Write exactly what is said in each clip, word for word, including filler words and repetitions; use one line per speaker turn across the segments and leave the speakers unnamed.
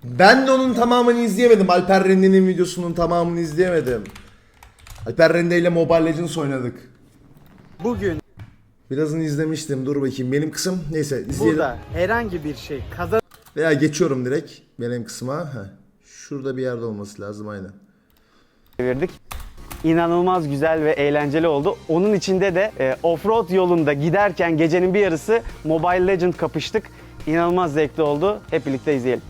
Ben de onun tamamını izleyemedim. Alper Rende'nin videosunun tamamını izleyemedim. Alper Rende ile Mobile Legends oynadık.
Bugün
Birazını izlemiştim. Dur bakayım. Benim kısım neyse izleyelim.
burada herhangi bir şey kazan
Veya geçiyorum direkt benim kısma. Heh. Şurada bir yerde olması lazım aynen.
çevirdik. İnanılmaz güzel ve eğlenceli oldu. Onun içinde de e, offroad yolunda giderken gecenin bir yarısı Mobile Legends kapıştık. İnanılmaz zevkli oldu. Hep birlikte izleyelim.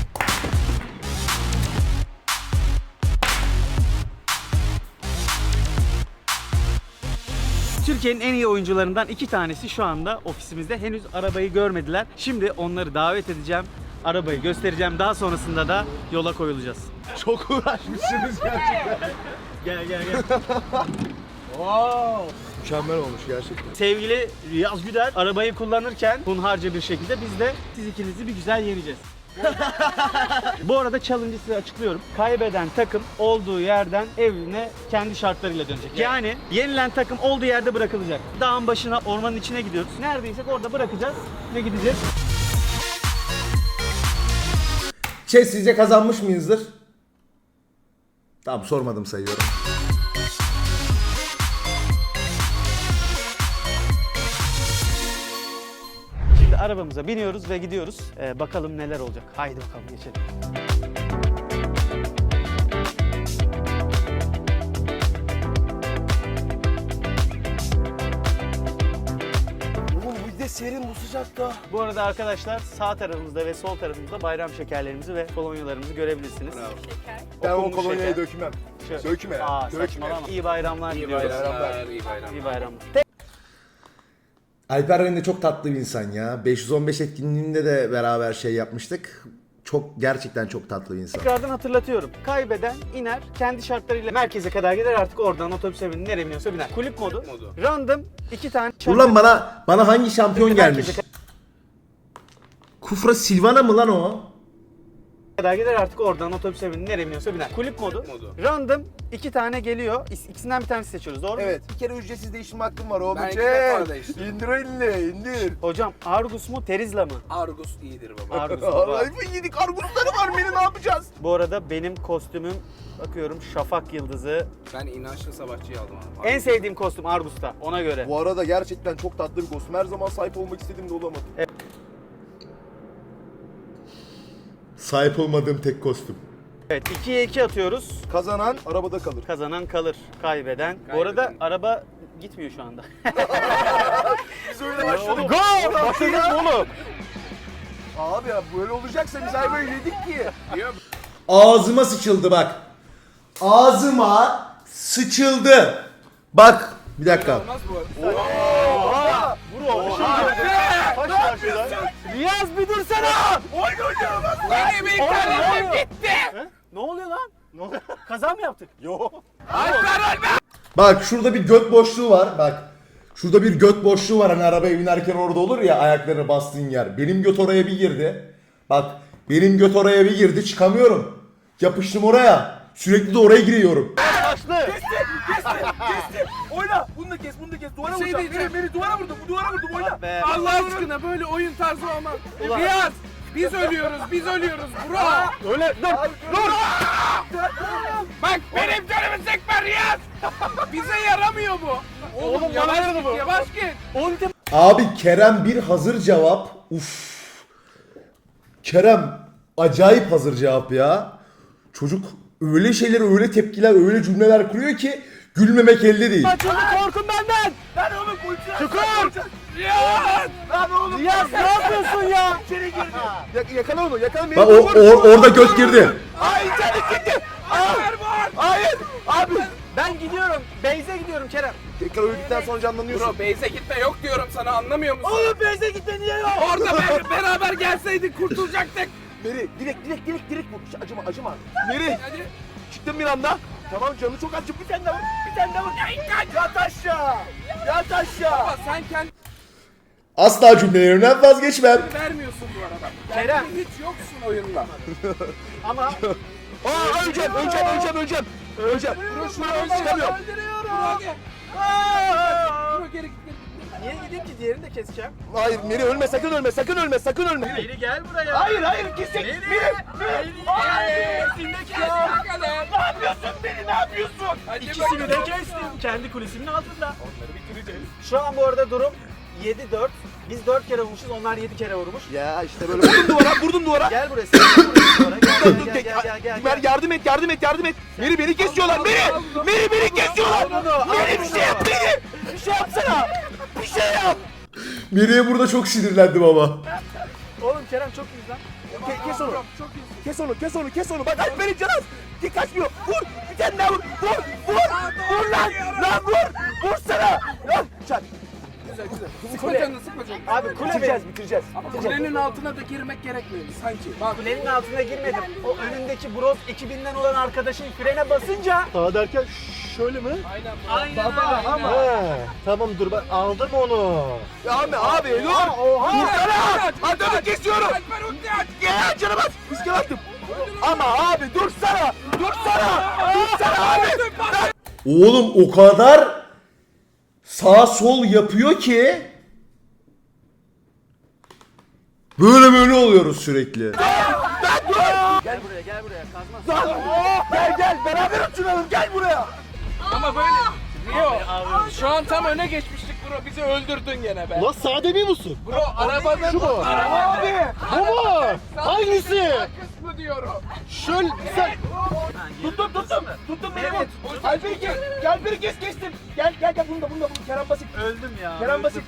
Türkiye'nin en iyi oyuncularından iki tanesi şu anda ofisimizde. Henüz arabayı görmediler. Şimdi onları davet edeceğim. Arabayı göstereceğim. Daha sonrasında da yola koyulacağız.
Çok uğraşmışsınız gerçekten.
Gel gel gel.
Wow. Mükemmel olmuş gerçekten.
Sevgili Riyaz Güder arabayı kullanırken hunharca bir şekilde biz de siz ikinizi bir güzel yeneceğiz. Bu arada challenge'ı size açıklıyorum. Kaybeden takım olduğu yerden evine kendi şartlarıyla dönecek. Yani yenilen takım olduğu yerde bırakılacak. Dağın başına, ormanın içine gidiyoruz. Neredeysek orada bırakacağız ve gideceğiz.
Şey sizce kazanmış mıyızdır? Tamam sormadım sayıyorum.
Şimdi arabamıza biniyoruz ve gidiyoruz. Ee, bakalım neler olacak. Haydi bakalım geçelim.
Oğlum bir de serin bu sıcakta.
Bu arada arkadaşlar sağ tarafımızda ve sol tarafımızda bayram şekerlerimizi ve kolonyalarımızı görebilirsiniz.
Ben o
Okunmuş
kolonyayı
şeker.
dökmem.
Şöyle-
Dökme ya.
Aa,
Dökme.
saçmalama. İyi bayramlar
İyi
diliyoruz.
bayramlar, iyi bayramlar.
İyi bayramlar.
Alper Rende çok tatlı bir insan ya. beş yüz on beş etkinliğinde de beraber şey yapmıştık. Çok gerçekten çok tatlı bir insan.
Tekrardan hatırlatıyorum. Kaybeden iner, kendi şartlarıyla merkeze kadar gider, artık oradan otobüse binir, nereye biniyorsa biner. Kulüp modu.
modu.
Random iki tane
Ulan bana bana hangi şampiyon gelmiş?
Merkeze
Kufra Silvana mı lan o?
kadar gider, artık oradan otobüse binir, nereye biniyorsa biner. Kulüp modu.
modu.
Random iki tane geliyor. İs- İkisinden bir tanesi seçiyoruz, doğru mu?
Evet, bir kere ücretsiz değiştirme hakkım var oğlum.
Ben iki
Çek.
defa değiştirdim.
İndir elini, indir.
Hocam Argus mu, Terizla mı?
Argus iyidir baba.
Argus baba.
Allah'ım yedik argusları var beni ne yapacağız?
Bu arada benim kostümüm, bakıyorum, Şafak Yıldızı.
Ben inançlı savaşçıyı aldım abi.
En sevdiğim kostüm Argus'ta, ona göre.
Bu arada gerçekten çok tatlı bir kostüm. Her zaman sahip olmak istediğim de olamadım.
Sahip olmadığım tek kostüm.
Evet, ikiye iki atıyoruz.
Kazanan arabada kalır.
Kazanan kalır, kaybeden. Bu arada
Kaybeden.
araba gitmiyor şu anda.
Biz öyle başladık.
Gol! Başladınız mı oğlum?
Abi ya böyle olacaksa biz ayvayı yedik ki.
Diyor,
Ağzıma sıçıldı bak. Ağzıma sıçıldı. Bak bir dakika.
olmaz bu arada.
Oha! Bro, kaç karşıdan? Riyaz bir dursana!
Benim internetim gitti.
He? Ne oluyor lan? Ne oluyor? Kaza mı yaptık? Yo.
Bak şurada bir göt boşluğu var bak. Şurada bir göt boşluğu var hani arabaya binerken orada olur ya ayaklarını bastığın yer. Benim göt oraya bir girdi. Bak benim göt oraya bir girdi çıkamıyorum. Yapıştım oraya. Sürekli de oraya giriyorum.
Başlı.
Oyna. Bunu da kes, bunu da kes. Duvara
Bir şey
vuracağım.
diyeceğim.
Beni, beni duvara vurdum. Bu duvara vurdum. Oyna.
Be.
Allah aşkına böyle oyun tarzı olmaz.
Ulan.
Riyaz, biz ölüyoruz, biz ölüyoruz bro.
Öyle dur.
Dur. Bak benim canımı sıkma Riyaz. Bize yaramıyor bu. Oğlum,
Oğlum,
yavaş
yaramıyor
git,
bu.
yavaş git.
Ulti.
Abi Kerem bir hazır cevap. Uf. Kerem acayip hazır cevap ya. Çocuk öyle şeyler, öyle tepkiler, öyle cümleler kuruyor ki gülmemek elde değil.
Açıldı, korkun benden.
Lan oğlum ulti.
Çukur.
Riyaz.
Lan oğlum.
Riyaz ne yapıyorsun ya?
İçeri girdi. Ya, yakala onu. Yakala beni.
Bak o, o- orada göt girdi.
Ay içeri gitti.
Ver var.
Hayır. Abi.
Ben gidiyorum. Beyze gidiyorum Kerem.
Tekrar öldükten sonra canlanıyorsun.
Bro base'e gitme yok diyorum sana anlamıyor musun?
Oğlum Beyze gitme niye yok?
Orada be- beraber gelseydik kurtulacaktık.
Meri direkt direkt direkt direkt vur. Hiç acıma acıma. Meri
Hadi.
çıktım bir anda. Tamam canı çok acı. Bir tane daha vur. Bir tane daha vur. Yat aşağı. Yat aşağı.
Baba sen kendini
Asla cümlelerinden vazgeçmem.
vermiyorsun bu arada.
Kerem.
Kendin hiç yoksun oyunda.
Ama
Aa öleceğim öleceğim öleceğim öleceğim. Öleceğim.
Bro
Şunu çıkamıyorum.
Bro gel. Bro geri git. geri git. Niye gideyim ki? Diğerini de keseceğim.
Hayır Meri ölme sakın ölme sakın ölme sakın ölme.
Meri gel buraya.
Hayır hayır kesin.
Meri.
Meri. Meri. Hayır.
İkisini de kes bakalım.
Ne yapıyorsun Meri ne yapıyorsun?
Hadi
İkisini de
bakalım.
kestim. Kendi kulesimin altında.
Onları bitireceğiz.
Şu an bu arada durum yedi dört. Biz dört kere vurmuşuz, onlar yedi kere vurmuş.
Ya işte böyle vurdum duvara vurdum duvara.
Gel buraya, sen de buraya duvara. Gel,
Dur,
gel,
dur,
gel,
tek-
gel, gel, gel,
Mer
gel.
yardım et yardım et yardım et. Meri beni kesiyorlar Meri. Meri beni kesiyorlar. Meri bir şey yap Meri. Bir şey yapsana. Bir şey yap.
Meri'ye burada çok sinirlendim ama.
Oğlum Kerem çok iyi lan.
Ke- kes onu. Kes onu kes onu kes onu. Bak aç beni canım. Dik kaçmıyor. Vur. Bir tane daha vur. Vur. Vur. Vur lan. Lan vur. Vursana. Lan. Çak.
Güzel güzel. Sıkma canını sıkma canını.
Abi kule
Bitireceğiz
benim.
bitireceğiz.
Ama
bitireceğiz.
kulenin altına da girmek gerekmiyor sanki. Bak.
Kulenin altına girmedim. O önündeki Bros ekibinden olan arkadaşın frene basınca.
Sağa derken şöyle mi?
Aynen.
Aynen
Baba
öyle.
ama.
He, tamam dur ben aldım onu.
Ya abi abi dur. Vursana. Hadi hadi kesiyorum.
Alper ulti aç.
Gel canım at. Riske attım. Ama abi dursana. Dursana. Dursana abi.
Oğlum o kadar sağ sol yapıyor ki böyle böyle oluyoruz sürekli.
Gel buraya, gel buraya. Kazma.
Lan. Gel gel beraber uçuralım. Gel buraya.
Ama böyle. Rio. Şu an tam öne geçmiştik bro. Bizi öldürdün gene be.
Lan sağ demiyor musun?
Bro arabanın.
Şu mu?
Abi.
Bu mu? Hangisi?
Kısmı diyorum.
Şöyle sen...
Tuttum tuttum. Tuttum beni
Evet.
vur. Alper'i kes. Gel Alper'i kes kestim. Gel gel gel bunu da bunu da bunu. Kerem basit.
Öldüm ya.
Kerem
öldüm.
basit.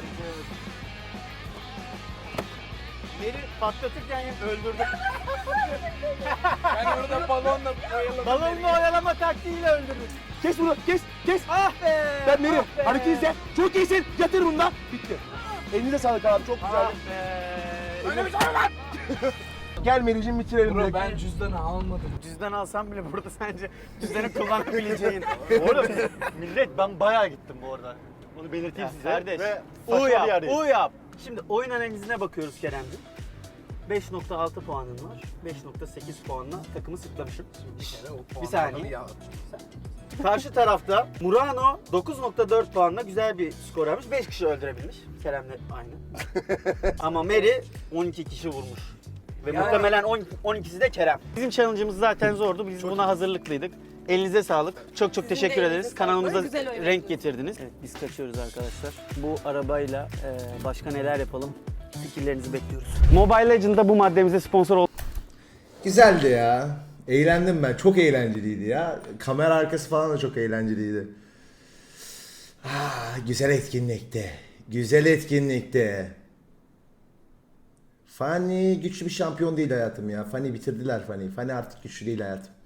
Beni patlatırken öldürdüm.
Ben orada balonla oyaladım.
Balonla oyalama taktiğiyle öldürdüm.
Kes bunu kes kes.
Ah be!
Ben Meri.
ah be.
Hareket izle. Çok iyisin. Yatır bunu da. Bitti. Elinize sağlık abi. Çok güzel.
Ah be!
Öyle bir şey var.
Gel Meri'cim bitirelim.
Bro
direkt.
ben cüzdanı almadım.
Cüzdan alsam bile burada sence cüzdanı kullanabileceğin. Oğlum millet ben bayağı gittim bu arada.
Bunu belirteyim
Ya
size.
kardeş,
Ve
U
saçma bir
yap,
yerdeyim.
U yap. Şimdi oyun analizine bakıyoruz Kerem'cim. beş nokta altı puanın var. beş nokta sekiz puanla takımı sıklamışım. Bir saniye. Karşı tarafta Murano dokuz nokta dört puanla güzel bir skor almış. beş kişi öldürebilmiş. Kerem'le aynı. Ama Meri on iki kişi vurmuş. Ve
Yani-
muhtemelen on, on ikisi de Kerem. Bizim challenge'ımız zaten zordu. Biz buna hazırlıklıydık. Elinize sağlık. Çok çok teşekkür
elinize
ederiz.
sağlık.
Kanalımıza
Güzel oyun.
renk getirdiniz. Evet, biz kaçıyoruz arkadaşlar. Bu arabayla e, başka neler yapalım? Fikirlerinizi bekliyoruz. Mobile Legends'da bu maddemize sponsor ol.
Güzeldi ya. Eğlendim ben. Çok eğlenceliydi ya. Kamera arkası falan da çok eğlenceliydi. Ah, güzel etkinlikti. Güzel etkinlikti. Fanny güçlü bir şampiyon değil hayatım ya. Fanny bitirdiler Fanny. Fanny artık güçlü değil hayatım.